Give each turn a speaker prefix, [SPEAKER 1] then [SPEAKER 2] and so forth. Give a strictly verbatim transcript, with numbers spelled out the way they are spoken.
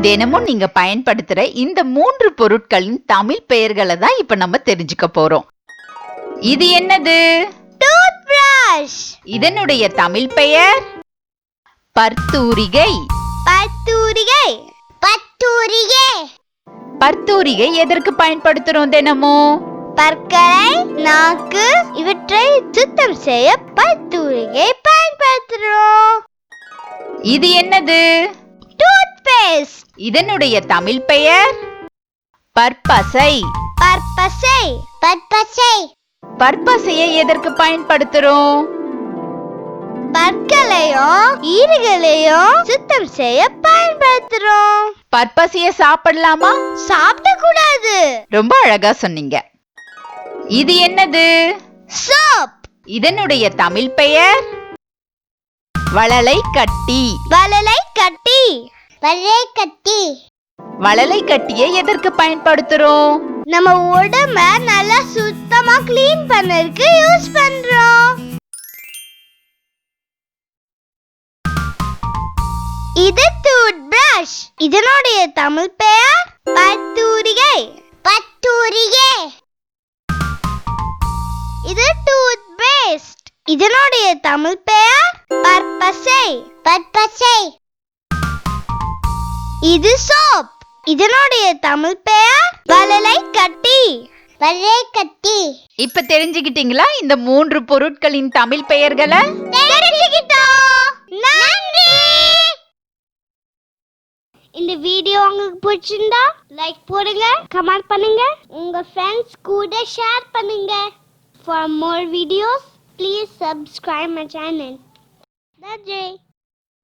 [SPEAKER 1] தினமும் நீங்க பயன்படுத்துற இந்த மூன்று பொருட்களின் தமிழ் பெயர்களை தான் இப்ப நம்ம தெரிஞ்சுக்க போறோம். இது என்னது?
[SPEAKER 2] Tooth brush.
[SPEAKER 1] இதனுடைய தமிழ் பெயர் பர்த்தூரிகை.
[SPEAKER 2] பர்த்தூரிகை. பர்த்தூரிகை.
[SPEAKER 1] பர்த்தூரிகை எதற்கு பயன்படுத்துறோம் தினமும்?
[SPEAKER 2] பற்களை, நாக்கு இவற்றை சுத்தம் செய்ய பர்த்தூரிகை பயன்படுத்துறோம்.
[SPEAKER 1] இது என்னது?
[SPEAKER 2] Tooth paste.
[SPEAKER 1] இதனுடைய தமிழ் பெயர் பற்பசை.
[SPEAKER 2] பற்பசை. பற்பசை.
[SPEAKER 1] பற்பசையை எதற்கு பயன்படுத்துறோம்?
[SPEAKER 2] பற்களையும் ஈறுகளையும் சுத்தம் செய்ய பயன்படுத்துறோம்.
[SPEAKER 1] பற்பசையை சாப்பிடலாமா?
[SPEAKER 2] சாப்பிட கூடாது.
[SPEAKER 1] ரொம்ப அழகா சொன்னீங்க. இது என்னது?
[SPEAKER 2] சோப்.
[SPEAKER 1] இதனுடைய தமிழ் பெயர் வளலை கட்டி.
[SPEAKER 2] வளலை கட்டி. வளலை கட்டி.
[SPEAKER 1] வளலை கட்டியை எதற்கு பயன்படுத்துறோம்?
[SPEAKER 2] நம்ம உடம்ப நல்லா சுத்தமா க்ளீன் பண்ணறதுக்கு யூஸ் பண்றோம். இது டூத் பிரஷ். இதனுடைய தமிழ் பெயர் பர்த்தூரிகை. பர்த்தூரிகை. இது டூத் பேஸ்ட். இதனுடைய தமிழ் பெயர் பற்பசை. பற்பசை. இது சோப். இதனுடைய தமிழ் பெயர் வளலை கட்டி. வளலை கட்டி.
[SPEAKER 1] இப்ப தெரிஞ்சுக்கிட்டீங்களா இந்த மூன்று பொருட்களின் தமிழ் பெயர்களை?
[SPEAKER 2] தெரிஞ்சுக்கிட்டோம். நன்றி. இந்த வீடியோ உங்களுக்கு பிடிச்சிருந்தா லைக் போடுங்க, கமெண்ட் பண்ணுங்க, உங்க ஃப்ரெண்ட்ஸ் கூட ஷேர் பண்ணுங்க. For more videos, please subscribe my channel. That's it.